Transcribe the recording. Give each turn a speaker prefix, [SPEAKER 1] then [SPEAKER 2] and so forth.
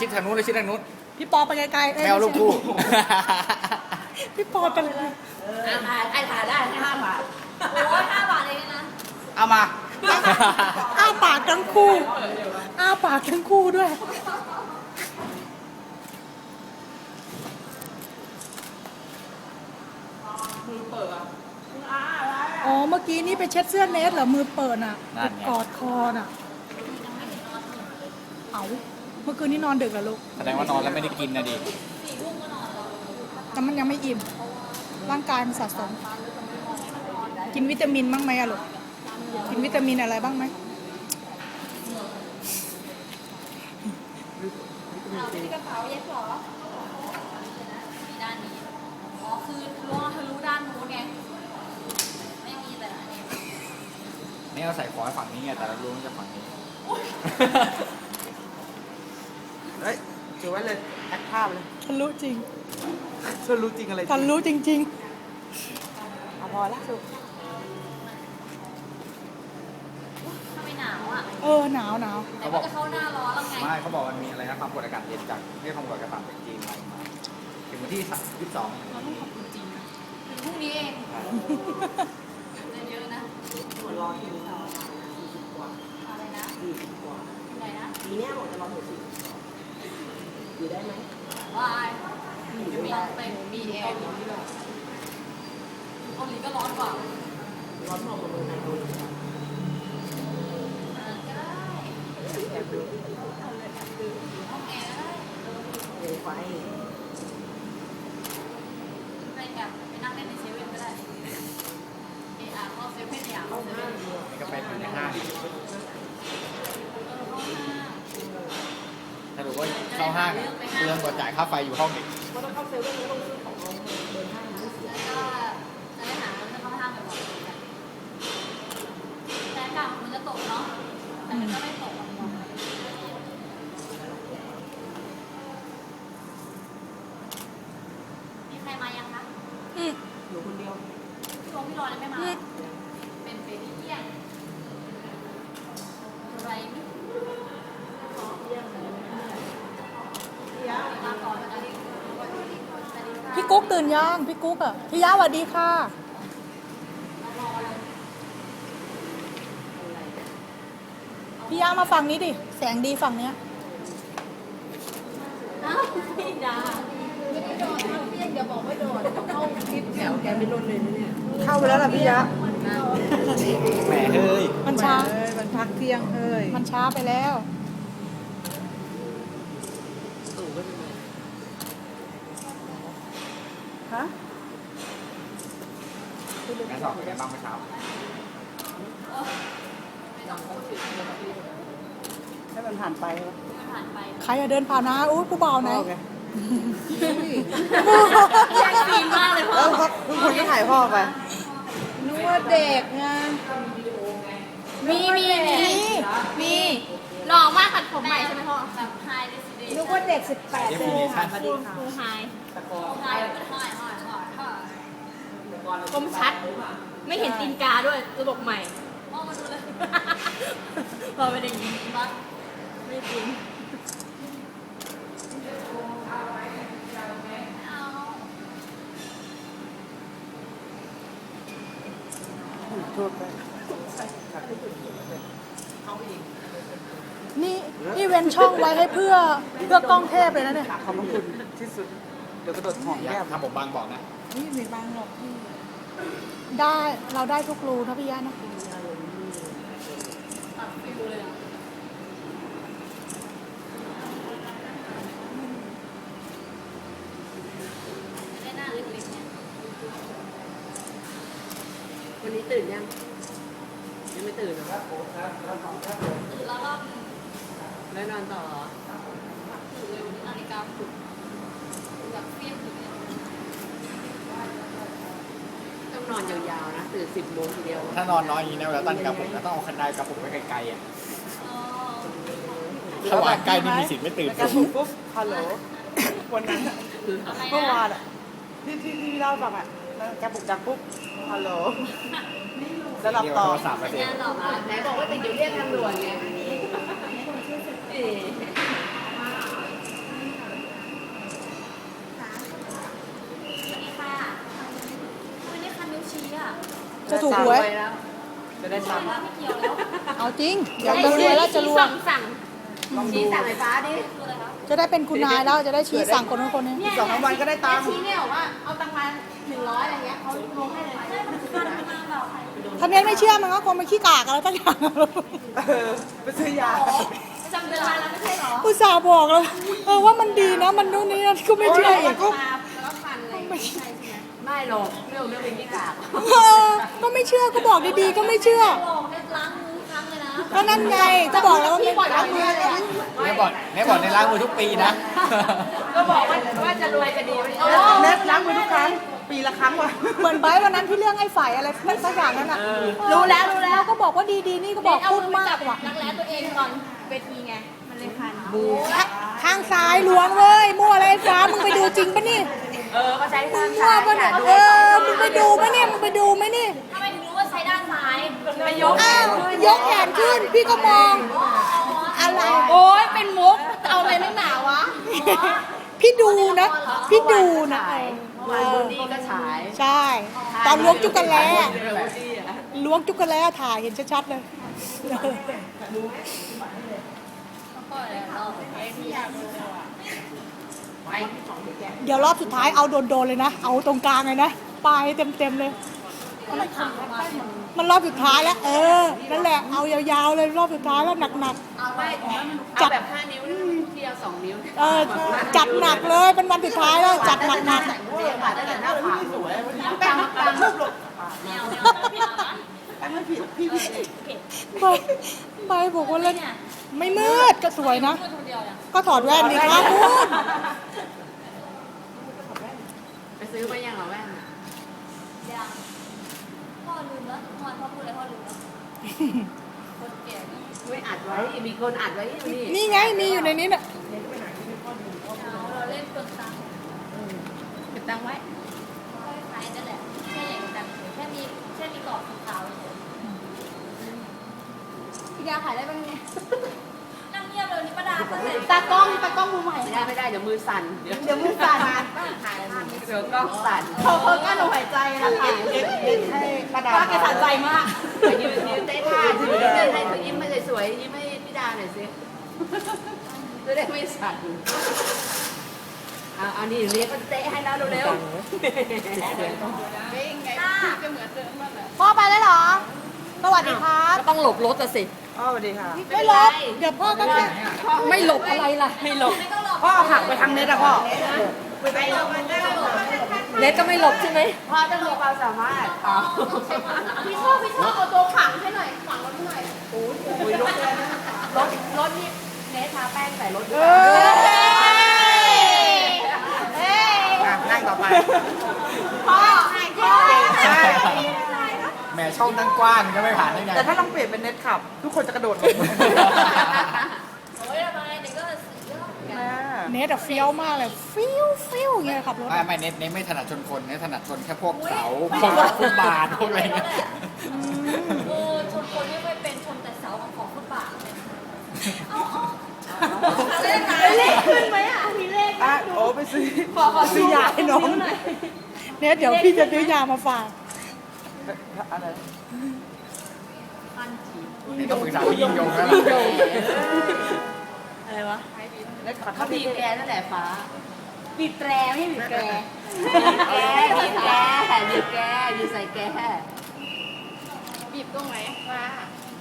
[SPEAKER 1] ชิดทางนู้นเลยชิดทางนู้น
[SPEAKER 2] พี่ปอไปไกลๆ
[SPEAKER 1] แมวลูกคู่
[SPEAKER 2] พี่ปอไปเลย
[SPEAKER 3] ไอ้ถ่ายได้ให้5 บาทโอ้ย5 บาทเองนะ
[SPEAKER 1] เอามา
[SPEAKER 2] อ้าปากทั้งคู่อ้าปากทั้งคู่ด้วยอ๋อเมื่อกี้นี่ไปเช็ดเสื้อเนสเหรอมือเปิดอ่ะ
[SPEAKER 1] นั่นไง
[SPEAKER 2] กอดคอน่ะเอาเมื่อคืนนี้นอนดึกเหรอลูก
[SPEAKER 1] แสดงว่านอนแล้วไม่ได้กินนะดิ
[SPEAKER 2] แต่มันยังไม่อิ่มร่างกายมันสะสม กินวิตามินบ้างไหมอะลูกกินวิตามินอะไรบ้างไหม
[SPEAKER 3] เอาที่กระเป๋าเย็บหรอมีด้านนี้อ๋อคือรู้ว่าเธอรู้ด้านนู้นไงไม่มีแต่อันนี้
[SPEAKER 1] นี่เราใส่ขอให้ฝั่งนี้ไงแต่เรารู้ว่าจะฝั่งนี้
[SPEAKER 4] เฮ้ยถือไว้เลยแอคภาพเลย
[SPEAKER 2] ทะลุจริง
[SPEAKER 4] ช่วยรู้จริงอะไร
[SPEAKER 2] ทะลุจริง
[SPEAKER 4] เอาพอละสุก
[SPEAKER 3] ถ้าไม่หนาวอ่ะ
[SPEAKER 2] ๆหนาว
[SPEAKER 3] แต่ว่าจะเข้าหน้าร้อนแล้วไง
[SPEAKER 1] ไม่เขาบอกมันมีอะไรนะความกดอากาศเย็นจากที่ความกดอากาศต่ำจากจีนมาถึงวันที่22
[SPEAKER 3] เราต้องขอบคุณจริงนะถึงพรุ่งนี้เองจะเยอะนะ
[SPEAKER 4] รอทีนี้
[SPEAKER 3] อะไรนะ
[SPEAKER 4] 40 กว่า
[SPEAKER 3] อะไรนะ
[SPEAKER 4] ปีเนี้ยหมดจะรอถึง40อยู่ได้ไหม
[SPEAKER 3] วายมีไปมีแอร์มีที่แบบเกาหลีก็ร้อนกว่า
[SPEAKER 4] ร้อนพอกับเมืองไทยเราเลย
[SPEAKER 3] ก็ได้
[SPEAKER 4] แอบดู
[SPEAKER 3] ห้องแอร์ก็ได้
[SPEAKER 4] เร็วไป
[SPEAKER 3] ไปแบบไปนั่งเล่นในเซเว่นก็ได้เออเข้าเซเว่นอยากเข้าเซเว่น
[SPEAKER 1] นี่ก็ไปอยู่ในห้างถ้ารู้ว่าเข้าห้างอะเรื่องกว่าจ่ายค่าไฟอยู่ห้องเด็ก
[SPEAKER 4] เพราะต้องเข้าเซเว่นแล้วต้องซื้อของเอาเดินห้างไม่เสีย
[SPEAKER 3] แล้วก็จะได้หาเงินเข้าห้างบ่อยๆแต่อากาศมันจะตกเนาะแต่มันก็ไม่ตกหรอกมีใครมายังคะ
[SPEAKER 4] อยู่คนเดียว
[SPEAKER 3] พี่โรพี่รอยังไม่มา เป็นเบบี้เที่ยงอะไรไม่มาก่อนนะ
[SPEAKER 2] พี่กุ๊กตื่นยังพี่กุ๊กอะพี่ยะสวัสดีค่ะ พี่ยะมาฝั่งนี้ดิ แสงดีฝั่งเนี้ย
[SPEAKER 3] อ้าวพี่ดาเดี๋ยวบอกไม่โดนเข้าคลิปแถวแกไม่ลดเลยนะเนี่ย
[SPEAKER 4] เข้าไปแล้วล่ะพี่ยะ
[SPEAKER 1] แหมเฮ้ย
[SPEAKER 2] มันช้า
[SPEAKER 4] เอ้ยมันพักเที่ยงเฮ้ย
[SPEAKER 2] มันช้าไปแล้ว
[SPEAKER 4] ตู่ก็จะมาฮะ
[SPEAKER 1] งานสอบเป็นไงบ้างเมื่อเช้า
[SPEAKER 3] ไม่ต้องพูดถึง
[SPEAKER 4] ให้มันผ่านไปวะ
[SPEAKER 3] ผ่านไป
[SPEAKER 2] ใครอะเดินผ่านนะอู้ผู้เบาไหน
[SPEAKER 4] พ่อไง
[SPEAKER 3] แย่งซีนมากเลยพ่อ
[SPEAKER 4] แล้วก็ทุกคนก็ถ่ายพ่อไป
[SPEAKER 2] นึกว่าเด็กไง
[SPEAKER 3] มีหล่อมากขัดผมใหม่ใช่ไหมพ่อแบบไฮเดซิเด
[SPEAKER 2] นึกว่าเด็ก18
[SPEAKER 1] เดฟิเนชั่น
[SPEAKER 3] ฟูไฮไฮคมชัด ไม่เห็นตีนกาด้วยระบบใหม่พ่อมาดูเลยพอไปได้ยินปะไม่จริง
[SPEAKER 4] โทษไป
[SPEAKER 2] นี่เว้นช่องไว้ให้เพื่อกล้องเทพเลยนะเนี่ย
[SPEAKER 4] ขอบพระคุณที่สุด เดี๋ยวกระโดดหอม
[SPEAKER 1] อยา
[SPEAKER 4] แก้
[SPEAKER 1] ก
[SPEAKER 4] ม
[SPEAKER 1] ทำผมบางบอกนะ
[SPEAKER 4] นี่ไม่บางหรอกพี่
[SPEAKER 2] ได้เราได้ทุกรูนะพี่ยะนะ
[SPEAKER 3] ตัดฟิวเลยได้หน้าเล็กๆเนี่ย
[SPEAKER 4] วันนี้ตื่นยัง ยังไม่ตื่นเหรอ
[SPEAKER 3] ตื่นแล้วรอบนึง
[SPEAKER 4] แล้วนอนต่อเหรอ
[SPEAKER 3] ตื่นเร็วนาฬิกาปลุกแบบเฟี้ยงถึงเนี่ย
[SPEAKER 4] ต้องนอนยาวๆนะ ตื่น10 โมงทีเดียว
[SPEAKER 1] ถ้านอนน้อยอย่างนี้นะเวลาตั้งกระปุกแล้วต้องเอาคันไดกระปุกไว้ไกลๆอ่ะ
[SPEAKER 3] อ๋อ
[SPEAKER 1] ถ้าวางใกล้นี่มีสิทธิ์ไม่ตื่น
[SPEAKER 4] แล้วก็ปุ๊บฮัลโหลวันนั้นอะ
[SPEAKER 3] อะไร
[SPEAKER 4] เมื่อ
[SPEAKER 3] นะ
[SPEAKER 4] วานอ่ะที่เล่าให้ฟังอ่ะแล้วแกปลุกดังปุ๊บฮัลโหลแล้วหลับ
[SPEAKER 1] เรียก
[SPEAKER 4] ต่อ
[SPEAKER 1] โทรศัพท์มาสิ
[SPEAKER 3] งานต่อมา
[SPEAKER 4] ไหนบอกว่าติดอยู่เรียกทางด่วนไง
[SPEAKER 2] ถูกหวย
[SPEAKER 4] จะได้ตังค์
[SPEAKER 3] ไม่เกี่ยวแล้ว
[SPEAKER 2] เอาจริงเดี๋ยวจะรวยแล้วจะรวย
[SPEAKER 3] สั่ง
[SPEAKER 4] ลองดู
[SPEAKER 3] ชี้สั่งไฟฟ้าดิคืออะไรคะ
[SPEAKER 2] จะได้เป็นคุณนายแล้วจะได้ชี้สั่งคนนู้นคนนี้
[SPEAKER 4] อีก2 วันก็ได้ตังค์
[SPEAKER 3] ชี้เนี่ยบอกว่าเอาตังค์มา100อะไรเงี้ยเขาลงให้เลยใช่มันคือการมาเปล่าใคร
[SPEAKER 2] ถ้าเน้นไม่เชื่อมันก็คงไปขี้กากอะไรตั้งอย่าง
[SPEAKER 4] ไปซื้อยา
[SPEAKER 3] ประจำเดือนมาแล้วไม่ใช่เหรอ
[SPEAKER 2] อุตส่าห์บอกแล้วว่ามันดีนะมันนู่นนี่นั่นก็ไม่เชื่ออีก
[SPEAKER 3] มาแล้วพันอะไรไม่ใช่ใช่ไหม
[SPEAKER 5] ไม่หรอกเรื่องเป็นที่กาก
[SPEAKER 2] ก็ไม่เชื่อก็บอกดีๆก็ไม่เชื่อ
[SPEAKER 3] ลองได้ล้างมือครั้งเลยนะ
[SPEAKER 2] ก็นั่นไงก็บอกแล้วว่าไม่
[SPEAKER 3] ล้างมือเลย
[SPEAKER 1] แม่บอกในล้างมือทุกปีนะ
[SPEAKER 5] ก็บอกว่าจะรวยจะดีไม่ใช่
[SPEAKER 4] เน็ตล้างมือทุกครั้ง ปีละครั้งว่ะ
[SPEAKER 2] เหมือนไบร์ทวันนั้นที่เรื่องไอ้ฝ่ายอะไรสักอย่างนั้นอ่ะ
[SPEAKER 3] รู้แล้ว
[SPEAKER 2] ก็บอกว่าดีๆนี่ก็บอกพูดมากว่ะ
[SPEAKER 3] รักแร้ตัวเองก่อนเวทีไงมันเลยคัน
[SPEAKER 2] ข้างซ้ายล้วงเว้ยมั่วอะไรไอ้ฟ้ามึงไปดูจริงปะนี่
[SPEAKER 5] ก็ใช้
[SPEAKER 2] มึ
[SPEAKER 5] ข้าง
[SPEAKER 2] งมั่
[SPEAKER 5] ซ้า
[SPEAKER 2] วย ปะเนี่ยมึงไปดูปะเนี่ยมึงไปดูไหมนี่
[SPEAKER 3] ทำไมถึงรู้ว่าใช้ด้านซ้าย
[SPEAKER 5] ไปยก
[SPEAKER 2] อ้าวยกแขนขึ้นพี่ก็มองอะไร
[SPEAKER 3] โอ้ยเป็นมุกเอาอะไรนักหนาวะ
[SPEAKER 2] พี่ดูนะพี่ดูนะ
[SPEAKER 5] วันบนนี้ก็ฉาย
[SPEAKER 2] ใช่ ตอนล้วงจุกกันแล้ล้วงจุกกันแล้วถ่ายเห็นชัดๆเลย เดี๋ยวรอบสุดท้ายเอาโดนๆเลยนะ เอาตรงกลางเลยนะปลายเต็มๆเลย มันรอบสุดท้ายแล้ว นั่นแหละ เอายาวๆเลยรอบสุดท้ายแล้วหนัก
[SPEAKER 5] เอาไม่เอาแบบ5 นิ้วที่เอา2 นิ้ว
[SPEAKER 2] ๆจัดหนักเลยเป็นวันสุดท้ายแล้วจัดหนัก
[SPEAKER 5] เสียผ่าตั้งแต่หน้าผากสวยปังปัง
[SPEAKER 3] แนวพี่เอานะ
[SPEAKER 4] ไม่ผิดพี่ผิดเอง
[SPEAKER 2] ๆใบบอกว่าเล่นไม่มืดก็สวยนะ
[SPEAKER 3] พูดคนเดียวเนี่ย
[SPEAKER 2] ก็ถอดแว่นดีครับคุณ
[SPEAKER 5] ไปซื้อมายังเหรอแม่
[SPEAKER 3] ยังพ่อลืมแล้วพ่อพูดอะไรพ่อลืมแล้วคนแก่นี่
[SPEAKER 5] ไม่อัดไว้มีคนอัดไว้นี่
[SPEAKER 2] นี่ไงมีอยู่ในนี้น่ะ
[SPEAKER 3] เราเล่นเปลืองตังค์
[SPEAKER 5] เก็บตังค์ไว้
[SPEAKER 3] ค่อยขายนั่นแหละแค่อย่างกันแค่มีกรอบสีขาวเฉยพี่ดาขายได้บ้างเนี่ยนั่งเงียบเลยนี่ป้าดาตากล้องมือใหม่
[SPEAKER 5] ไม่ได้เดี๋ยวมือสั่นเดี๋ยว
[SPEAKER 3] มือสั่น
[SPEAKER 5] ถ่ายภาพเดี๋ยวกล้องสั่น
[SPEAKER 3] เขากั้นลมหายใจนะค่ะ
[SPEAKER 4] ให้ป้าดา
[SPEAKER 3] ป้าแกสั่นใจมาก
[SPEAKER 5] ยืนเต้นท่ายืนให้เขายิ้มมาสวยๆยิ้มให้พี่ดาหน่อยสิจะได้ไม่สั่นเอานี่เรียกก็เตะให้แล้วเร็ว
[SPEAKER 2] พ่อไปแล้วเหรอ สวัสดีครับ
[SPEAKER 5] ๆต้องหลบรถสิ
[SPEAKER 4] อ๋อสวัสดีค่ะ
[SPEAKER 2] ไม่ลบเดี๋ยวพ่อก็
[SPEAKER 5] ไม่หลบอะไรล่ะไม่หลบ
[SPEAKER 4] พ่อหักไปทางเน็ตอะพ่อ
[SPEAKER 5] เน็ตก็ไม่หลบใช่ไหมพ่อต้องมีความสามารถอ๋อ
[SPEAKER 3] พี่ชอบเอาตัวขังให้หน่อยขังรถหน่อย
[SPEAKER 5] รถนี่เนททาแป้งใส่รถด้
[SPEAKER 2] เอ
[SPEAKER 5] วย
[SPEAKER 4] นั่งต่อไป
[SPEAKER 3] พ่อ
[SPEAKER 4] ใช่
[SPEAKER 1] แหมช่องตั้งกว้างก็ไม่ผ่านได้ไง
[SPEAKER 4] แต่ถ้าลองเปลี่ยนเป็นเน็ตขับ ทุกคนจะกระโดดลง
[SPEAKER 3] โอ้ยทำไมเด็กก็เยอะเหมือนกัน
[SPEAKER 4] แม่
[SPEAKER 2] เนทอะเฟี้ยวมากเลยฟิวอย่างเงี้ยขับรถ
[SPEAKER 1] ไม่เน้นไม่ถนัดชนคนเน้นถนัดชนแค่พวกเสาพวกฟุตบาทพวกอะไรเงี้ย
[SPEAKER 3] ชนคนไม่ค่อยเป็นชนแต่เสาของฟุตบาทเลขขึ้นไหมอ่ะมีเลข
[SPEAKER 4] อ่ะโอ้ไปซื้อซื้อยาให้น้อง
[SPEAKER 2] เนทเดี๋ยวพี่จะซื้อยามาฝาก
[SPEAKER 4] อะไร
[SPEAKER 1] นี่ต้องปรึกษาพี่ยิ่งยงแล้วล่ะ
[SPEAKER 5] อะไรวะ
[SPEAKER 4] เน็ตขับ
[SPEAKER 5] เขาบีบแกนั่นแหละฟ้า
[SPEAKER 3] บีบแตรไม่ใช่บีบแตร
[SPEAKER 5] บีบแกอยู่ใส่แก
[SPEAKER 3] บีบตรงไหนว่า